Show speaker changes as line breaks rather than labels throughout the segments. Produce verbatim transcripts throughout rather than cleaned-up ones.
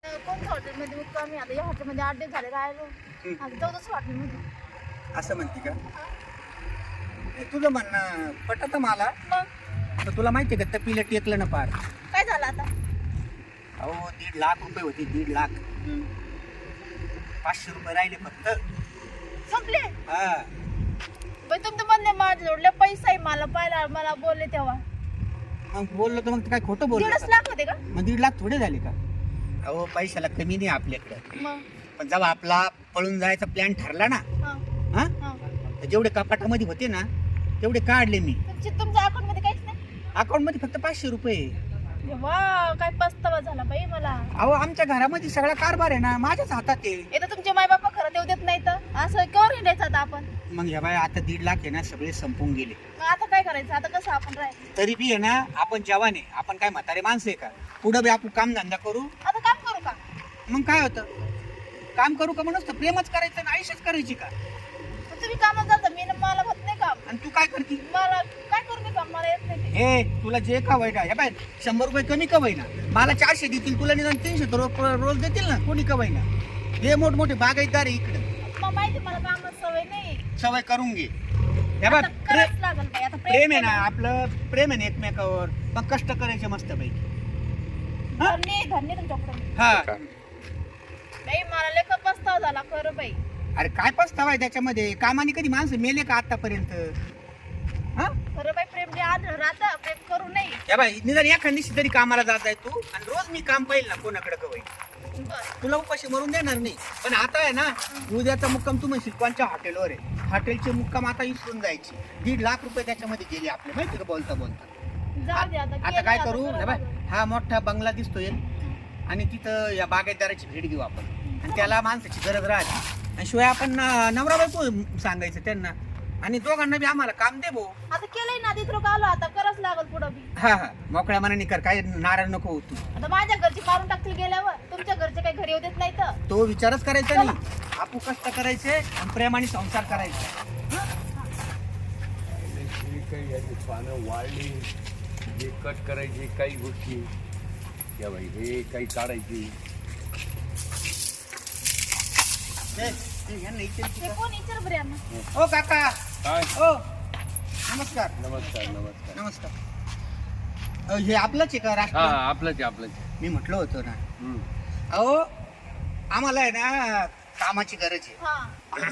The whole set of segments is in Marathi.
कोणत्या हॉटेलमध्ये मुक्कामी आता या हॉटेलमध्ये आठ दिवस झाले राहिलो आता चौदाच हॉटेलमध्ये.
असं म्हणते का? हे तुझं म्हणणं पटत मला.
मग
तर तुला माहिती आहे का तपीला टेकलं ना पार.
काय झालं आता?
अहो दीड लाख रुपये होते. दीड लाख
हम्म.
पाचशे रुपये राहिले फक्त.
संपले.
हा
पण तुमचं म्हणणे माझ्या जोडले पैसा आहे मला पाहिला मला बोलले तेव्हा
मग बोललो तर मग काय खोटं बोललो
दीडच
का?
लाख होते का?
मग दीड लाख थोडे झाले का? अहो पैशाला कमी नाही आपल्याकडे.
मग
पण जेव्हा आपला पळून जायचा प्लॅन ठरला ना,
हा
हा
हा
तर जेवढे कपाटामध्ये होते ना तेवढे काढले मी.
तुमची तुमच्या अकाउंट मध्ये काहीच नाही.
अकाउंट मध्ये फक्त पाचशे रुपये.
वा काय पस्तावा झाला बाई मला.
अहो आमच्या घरामध्ये सगळा कारभार आहे ना माझ्याच हातात आहे.
येतं तुमचे माय बापा खरं देऊ देत नाही तर असं केव्हा हिंडायचं आता आपण?
मग ह्या बाय आता दीड लाख आहे ना सगळे संपून गेले.
मग आता काय करायचं? आता कसं आपण राहायचं?
तरी बी आहे ना आपण जवान आहे. आपण काय म्हातारे माणसं आहे का? पुढं बी आपण काम धंदा करू.
आता काम करू का?
मग काय होतं? काम करू का म्हणून प्रेमच करायचं ना आयुष्यच करायची का?
मग तुम्ही कामात जाता मी ना मला होत नाही काम.
आणि तू काय करती?
मला काय करू मी काम? मला येत नाही ते.
हे तुला जे का ना हे बाय शंभर रुपये कमी का ना मला चारशे देतील तुला निदान तीनशे तर रोज रोज देतील ना कोणी का ना. हे मोठमोठे बागायतदार आहे इकडे.
मग माहिती मला कामात सवय नाही.
सवय करून घे. हे बघ
आता करावंच लागल बाई. आता
प्रेम आहे ना आपलं प्रेम आहे ना एकमेकावर. मग कष्ट करायचे मस्त पैकी.
धन्य धन्य तुमच्याकडे.
हा
बाई मला लेखा पस्तावा झाला खरं बाई.
अरे काय पस्तावा आहे त्याच्यामध्ये? कामाने कधी माणसं मेले का आतापर्यंत? हा
खरं बाई प्रेम जे आढळ राहतं प्रेम करू नये.
या बाई निदान एखाद दिवशी तरी कामाला जात आहे तू आणि रोज मी काम पाहिल ना कोणाकडे कवय
बरं.
तुला उपाशी मरून देणार नाही. पण आता आहे ना उद्याचा मुक्काम तू म्हणशील कोणच्या हॉटेलवर आहे. हॉटेलचे मुक्काम आता विसरून जायची. दीड लाख रुपये त्याच्यामध्ये गेले आपले माहिती का बोलता बोलता.
जाऊ दे आता.
आता
केलं
काय
आता
करू
करावं
हे बाय
लागलं.
हा मोठा बंगला दिसतोय आणि तिथं या बागायतदाराची भेट घेऊ आपण. आणि त्याला माणसाची गरज राहते. आणि शिवाय आपण न- नवरा बायको सांगायचं त्यांना. आणि दोघांना बी आम्हाला काम दे भाऊ.
आता केलंय ना तिथं आलो आता करावंच लागल पुढं बी.
हा हा मोकळ्या मनाने कर. काय नाराज नको हो तू.
आता माझ्या घरची मारून टाकतील गेल्यावर तुमच्या घरचे काही घरी येऊ देत नाही तर.
तो विचारच करायचा नाही. आपू कष्ट करायचे आणि प्रेमाने संसार करायचे.
ही काही याची पानं वाळली हे कट करायची काही गोष्टी या बाई हे काही काढायची.
ए, ए, यांना इचारायची
ते
का?
कोण विचार बरे यांना.
ओ काका
काय
ओ नमस्कार
नमस्कार नमस्कार
नमस्कार. अ, हे आपलंच आहे का
हा
राष्ट्र?
आपलंच आहे, आपलंच आहे.
मी म्हटलं होतं ना.
हम्म.
अहो आम्हाला आहे ना कामाची गरज आहे.
हा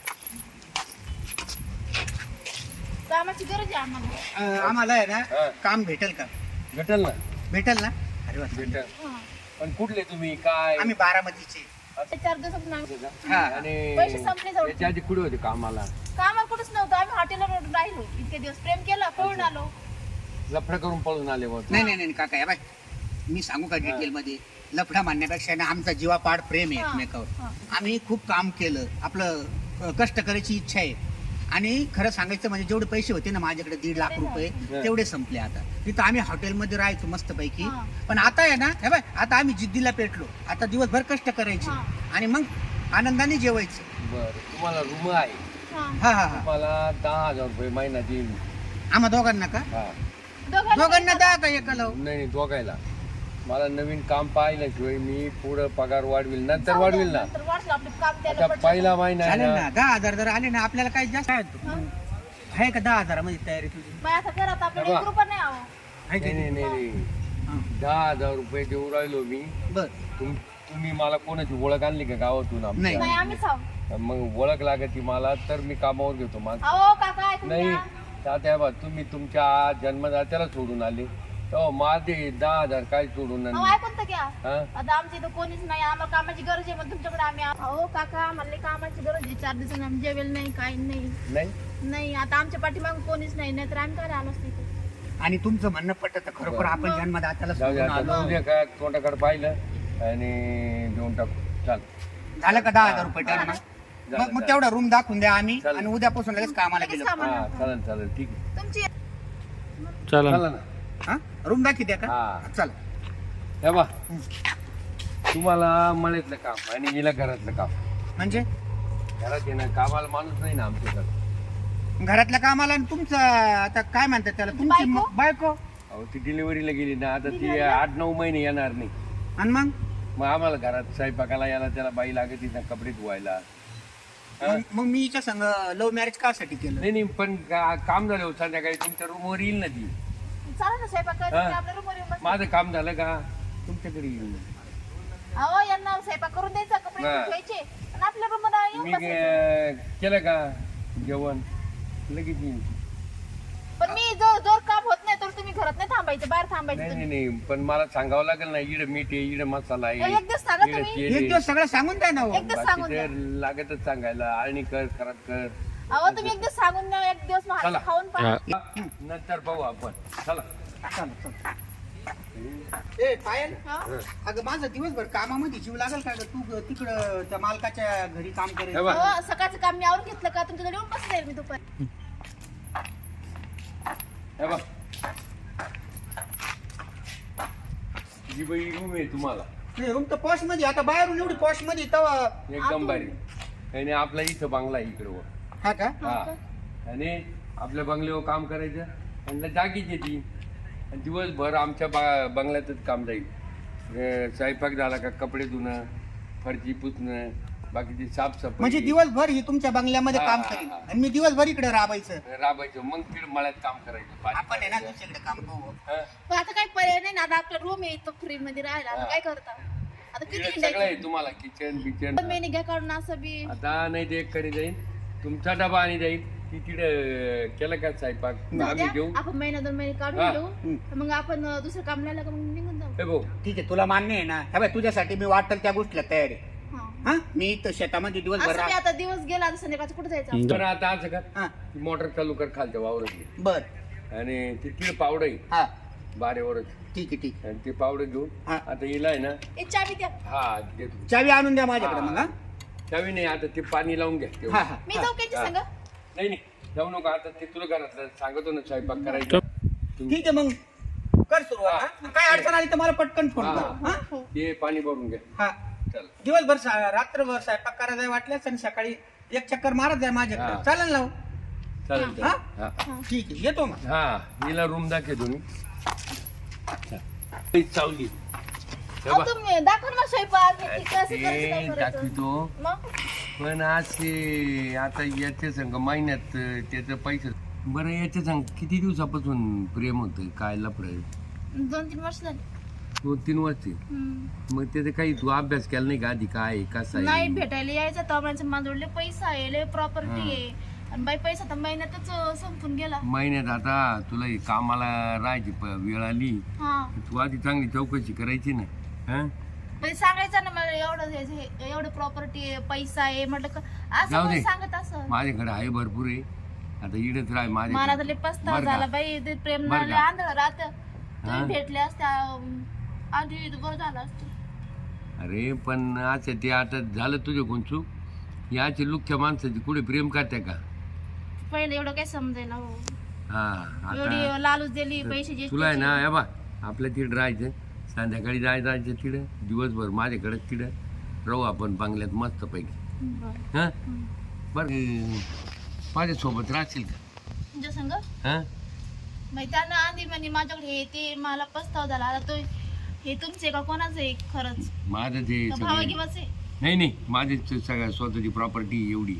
कामाची गरज आहे आम्हाला.
अ, आम्हाला आहे ना
हा.
काम भेटेल का?
भेटेल ना
भेटेल ना? अरे वा.
भेटेल.
हा.
पण कुठले तुम्ही काय
आम्ही बारामतीचे.
ते चार दिवसात नाही.
हा.
आणि
पैसे संपले जाऊ.
याच्या आधी कुठे होते कामाला?
कामाला कुठंच नव्हतं. आम्ही हॉटेलवर राहिलो इतके दिवस. प्रेम केलं पळून आलो.
लफडं करून पळून आले होते.
नाही नाही नाही काका या बाय मी सांगू का डिटेल मध्ये? लफडा मानण्यापेक्षा ना आमचा जीवापाड प्रेम आहे
हा.
एकमेकावर.
हा.
आम्ही खूप काम केलं. आपलं अ, कष्ट करायची इच्छा आहे. आणि खरं सांगायचं म्हणजे जेवढे पैसे होते ना माझ्याकडे दीड लाख रुपये
हा.
तेवढे संपले आता. तिथं आम्ही हॉटेलमध्ये राहायचो मस्त पैकी.
हा.
पण आता आहे ना हे बाय आता आम्ही जिद्दीला पेटलो. आता दिवसभर कष्ट करायचे
हा.
आणि मग आनंदाने जेवायचं.
बरं तुम्हाला रूम आहे
हा.
हा हा हा
तुम्हाला दहा हजार रुपये महिना देईल.
आम्हा दोघांना का?
हा
दोघांना
दोघांना दहा का एकाला?
नाही नाही दोघायला. मला नवीन काम पाहिल्याशिवाय मी पुढं पगार वाढविल नंतर
जाऊ
वाढविल
द्या,
ना.
नंतर वाढलं आपलं काम त्याला
आता
पडलं.
पहिला महिना आहे
चालेल
ना.
ना. दहा हजार जर आले ना आपल्याला काही जास्त आहे तो.
हा.
आहे का दहा हजारामध्ये तयारी तुझी?
मग आता घरात आपल्याला
बाबा.
एक रुपया नाही आहो.
आहे का
नाही नाही
नाही?
नाही नाही.
हा.
दहा हजार रुपये देऊ राहिलो मी.
बर
तुम तुम्ही मला कोणाची ओळख आणली का गावातून आमच्या?
नाही.
नाही आम्हीच आहो.
मग ओळख लागती मला तर मी कामावर घेतो माझ.
अहो काका ऐकून
नाही
घ्या.
तात्या बा तुम्ही तुमच्या जन्मदात्याला सोडून आले तेव्हा माझे दहा हजार काय सोडून
अहो
आणले?
ऐकून तर घ्या.
हा?
आता आमच्या इथं कोणीच नाही. आम्हाला कामाची गरज आहे. मग तुमच्याकडे आम्ही आहो. अहो काका म्हणले कामाची गरज आहे. चार दिवसांनी आम्ही जेवेल नाही काही नाही.
नाही
नाही आता आमच्या पाठीमाग कोणीच नाही. नाहीतर आम्ही काय आलो असतो इथे.
आणि तुमचं म्हणणं पटत खरोखर आपण
मग.
जन्मदात्याला
जाऊ दे
सोडून
आता
आलो.
उद्या काय तोंडाकडे पाहिलं आणि देऊन टाकू. चाल
झालं का दहा हजार रुपये टर्न?
झालं,
मग मग
झालं.
तेवढा रूम दाखवून द्या आम्ही
चालेल.
आणि उद्यापासून लगेच कामाला
लगेच
गेलो.
कामाला.
हा चालेल चालेल ठीक आहे.
तुमची
चला ना.
हा रूम दाखी द्या का?
हा.
चला.
हे बा तुम्हाला मळ्यातलं काम आणि हिला घरातलं काम.
म्हणजे
घरात येणं कामाला माणूस नाही ना आमच्याकडे.
घरातल्या कामाला आणि तुमचं आता काय म्हणतात त्याला तुमची
बायको?
म- बायको
अहो ती डिलिव्हरीला गेली ना आता ती
डिलिव्हरीला?
आठ नऊ महिने येणार नाही.
आणि मग
मग आम्हाला घरात स्वयंपाकाला याला त्याला बाई लागत तिथं कपडे धुवायला.
मग मग मी हिच्या संग लव्ह मॅरेज कासाठी केलं?
नाही नाही पण का- काम झालं होतं संध्याकाळी तुमच्या रूमवर येईल ना ती.
चालेल ना स्वयंपाक
हा.
करायचं आपल्या रूमवर येऊन बस.
माझं काम झालं का तुमच्याकडे येईल ना.
अहो यांना स्वयंपाक करून द्यायचा, कपडे
हा.
धुवायचे आणि आपल्या रूमवर येऊन
मी
बसायचं.
गे- केलं का जेवण लगेच येईन.
पण मी जो जोर काम होत नाही तर तुम्ही घरात नाही थांबायचं, बाहेर थांबायचं
नाही नाही
तुम्ही.
नाही पण मला सांगावं लागेल ना इकडे मीठ आहे इकडे मसाला आहे
एक दिवस सांगा
इकडे
तुम्ही.
तेल
एक
आहे.
दिवस सगळं सांगून द्या ना हो.
एक दिवस सांगून द्या.
बाकीचं लागतच सांगायला आणि कर खरात कर.
अहो तुम्ही एक दिवस सांगून द्या, एक दिवस मग
चला.
हात खाऊन पहा.
नंतर पाहू आपण. चला.
चला, चला. ए पायल,
हा?
अगं माझं दिवसभर कामामध्ये जीव लागेल का गं? तू तिकडं त्या मालकाच्या घरी काम
हे
करायचं.
बघ.
अहो, सकाळचं काम मी आवरून घेतलं का तुमच्याकडे येऊन बस जाईल मी दुपारी.
हे बघ ही बाई रूम आहे तुम्हाला
रूम तर पॉश मध्ये, आता बाहेरून एवढी पॉश मध्ये तवा.
एकदम भारी. आणि आपला इथं बंगला आहे इकडं वर.
हा का?
हा आणि आपल्या बंगल्यावर काम करायचं आणि जागीच येते आणि दिवसभर आमच्या बा बंगल्यातच काम जाईल. अं, स्वयंपाक झाला का कपडे धुणं, फरची पुसणं, बाकीची
म्हणजे
साफसफाई
दिवसभर ही तुमच्या बंगल्यामध्ये
हा,
काम
हा,
करेल
हा.
आणि मी दिवसभर इकडे राबायचं.
राबायचं. मग तिकडे मळ्यात काम करायचं. पाणी
आपण आहे ना
भरायचं.
दुसरीकडे काम करू.
हा.
पण आता काही पर्याय नाही ना, आता आपला रूम आहे तो फ्री मध्ये राहायला, आता
हा.
काय करता आता किती
तिकडे सगळं आहे
हिंडायचं?
तुम्हाला किचन बिचन.
पण महिने घ्या काढून असं बी.
आता नाही ते एक करी जाईल तुमचा डबा आणि जाईल ती तिकडे केलं का स्वयंपाक
जाऊ
आम्ही
द्या,
घेऊ.
आपण महिना दोन महिने
हा.
काढून घेऊ,
हम्म.
मग आपण अं, दुसरं काम नाही लागलं का मग निघून जाऊ.
हे भाऊ
ठीक आहे, तुला मान्य आहे ना? हे बाय तुझ्यासाठी मी वाटेल त्या गोष्टीला तयार आहे.
हा.
हा, मी इथं शेतामध्ये दिवसभर
असं बी
राह.
आता दिवस गेला, आता संध्याकाळचं कुठे जायचं?
तर आता असं कर
हा,
ती मोटर चालू कर खालच्या वावरातली
बर.
आणि ती तिळ पावडं आहे
हा,
बारेवरच
ठीक आहे, ठीक आहे.
आणि ते पावडं घेऊन
हा.
आता हिला आहे ना
ए, चावी द्या.
हा देतो.
चावी आणून द्या माझ्याकडे मग. हा,
चावी नाही आता ते पाणी लावून घ्या तेवढं.
हा, हा,
मी
हा.
जाऊ त्यांची
हा.
संग.
नाही नाही जाऊ नका आता ते तुला घरातलं सांगतो ना स्वयंपाक करायचं तुम्ही
ठीक आहे मग कर सुरुवात. हा? मग काय अडचण आली तर मला पटकन फोन
हा.
कर. हा,
हो.
ते पाणी भरून घ्या.
हा.
चल
दिवसभर सा- रात्रभर स्वयंपाक करायला वाटल्यास आणि सकाळी एक चक्कर मारत जाय माझ्याकडे.
हा.
चालेल ना हो?
चालेल
हा?
चालेल. हा
ठीक आहे, येतो मग.
हा हिला रूम दाखव तुम्ही चावली
अहो, तुम्ही दाखवा ना स्वयंपाक मी ठीक आहे, असं करायचं, काय करायचं?
दाखवितो
मग
पण असे आता याच्या संग महिन्यात त्याचं पैसे बरं याच्या संग किती दिवसापासून प्रेम होतं काय लफड
दोन तीन वर्ष झाली.
दोन तीन वर्ष
हम्म.
मग त्याचं काही तू अभ्यास केला नाही का आधी काय कसं
नाही
आहे
भेटायला यायचं तर माझ्या माझ्याकडे पैसा आहे, लय प्रॉपर्टी
हा.
आहे आणि बाई पैसा तर महिन्यातच अं, संपून गेला.
महिन्यात आता तुला हे कामाला राहायची प- वेळ आली
हा
तू आधी चांगली चौकशी करायची ना हा
पण सांगायचं ना मला एवढं हे- हे- एवढं प्रॉपर्टी आहे, पैसा आहे म्हटलं का असं
जाऊ
कोण
दे.
सांगत असं.
माझ्याकडे आहे भरपूर आहे आता इकडेच राह
मला तर
माझ्या
लय पस्तावा
बरं का?
झाला बाई, ते प्रेम
बरं
नाही
का?
आंधळ राहत.
हा?
तुम्ही भेटले असत्या अं, आधी बरं झालं असतं.
अरे पण असं ते आता झालं तुझं कोण चूक याची लुख्या माणसाची कुठे प्रेम करते का
पहिले एवढं काय समजायला हो.
हा
एवढी
आता
लालूच दिली पैशाची.
तुला आहे ना हे बा आपल्या तिकडे राहायचं संध्याकाळी जाय जायचं तिकडं दिवसभर माझ्याकडे तिकडं राहू आपण बंगल्यात मस्त पैकी
बरं.
हा
हम्म.
बरं माझ्यासोबत राहशील का
तुमच्या संग
हा
माहिती त्यानं आधी म्हणे माझ्याकडे हे ते मला पस्ताव झाला. आता तो हे तुमचे का कोणाचं आहे खरंच?
माझं ते
का भावा
सगळं
गिवाच आहे?
नाही नाही माझी सगळ्या स्वतःची प्रॉपर्टी एवढी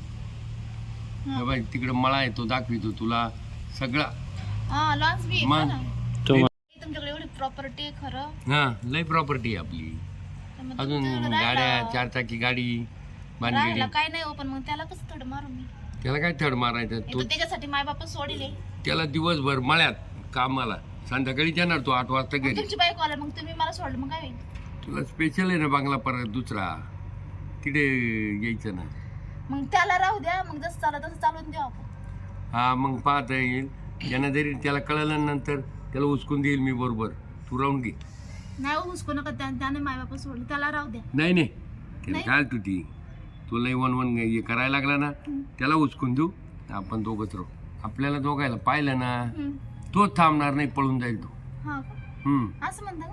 हा.
बाई तिकडं मळा आहे तो दाखवितो तुला सगळा
हा लॉन्स बी आहे
मग?
ना. तुमच्याकडे एवढी प्रॉपर्टी आहे खरं.
हा लय प्रॉपर्टी आहे आपली
तर मग
अजून
तुमच्याकडे
गाड्या
राहायला-
चार चाकी गाडी बांधलेली
राहायला काय नाही हो, पण मग त्याला कसं थोडं मारू मी?
त्याला काय थड मारायचं
हे
तो
तर त्याच्यासाठी माय बाप सोडिले.
त्याला दिवसभर मळ्यात कामाला संध्याकाळी येणार तो आठ वाजता घरी
तुमची बायको आला मग तुम्ही मला सोडलं मग काय होईल?
तुला स्पेशल आहे ना बांगला परत दुसरा तिथे यायचं ना
मग त्याला राहू द्या, मग जसं चालत तसं चालून देऊ आपण.
हा मग पाहता येईल त्यांना जरी त्याला कळलं नंतर त्याला उचकून देईल मी बरोबर तू राहून घे
नाही हो, हुसकू नका. त्या- त्याने माय बाप सोडलं, त्याला राहू द्या.
नाही नाही त्याला
नाही?
काय तू ती तुला वन वन हे करायला लागला ना त्याला उचकून देऊ आपण दोघंच राहू आपल्याला दोघायला पाहिलं ना
हम्म.
तोच थांबणार नाही पळून जाईल तो
हा का?
हम्म
असं म्हणता का?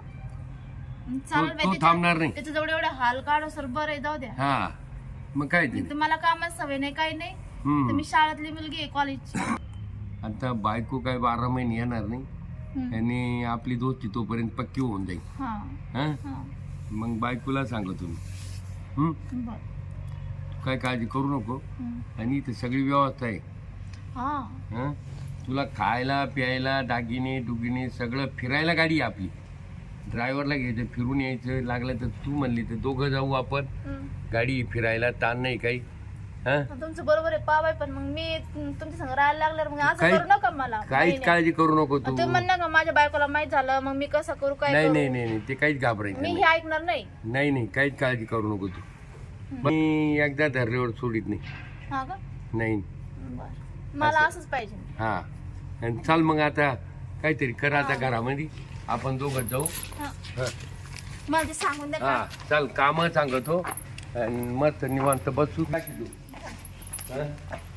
मग चालेल
तो-
बाई,
तो
त्याच्या-
थांबणार नाही.
त्याचं जेवढे एवढे हाल काढो सर बरं आहे, जाऊ द्या.
हा मग काय ते
नाही तर मला कामात सवय नाही, काही नाही.
हम्म
तर मी शाळेतली मुलगी आहे, कॉलेजची.
आता बायको काय बारा महिने येणार नाही
हम्म.
आणि आपली दोस्ती तोपर्यंत पक्की होऊन जाईल
हा
हा
हा
मग बायकोला सांगतो मी हं?
बरं.
काय काळजी करू नको
हं.
आणि इथे सगळी व्यवस्था आहे
हा
हं? तुला खायला प्यायला दागिने दुगिने सगळं फिरायला गाडी आहे आपली ड्रायव्हरला घ्यायचं फिरून यायचं लागलं तर तू म्हणली तर दोघं जाऊ आपण
हं.
गाडी फिरायला ताण नाही काही हं?
तुमचं बरोबर आहे पाव आहे पण मग मी तुमच्या संग राहायला लागल्यावर मग असं
काही-
करू नका मला नाही,
काहीच
नाही.
काळजी करू नको तू
तुम्ही म्हणणार का माझ्या बायकोला माहित झालं मग मी कसं करू काय
नाही
करू?
नाही नाही नाही, ते काहीच घाबरायचं
मी
नाही
हे ऐकणार नाही
नाही नाही काहीच काळजी करू नको तू मी एकदा धरल्यावर सोडित नाही
हा का
नाही
बरं मला
असं.
असंच पाहिजे
हा आणि चाल मग आता काहीतरी कर आता घरामध्ये आपण दोघं जाऊ
हा.
हा
मला ते सांगून द्या
हा
का?
चाल काम सांगतो आणि मस्त निवांत बसू टाकी तू हा?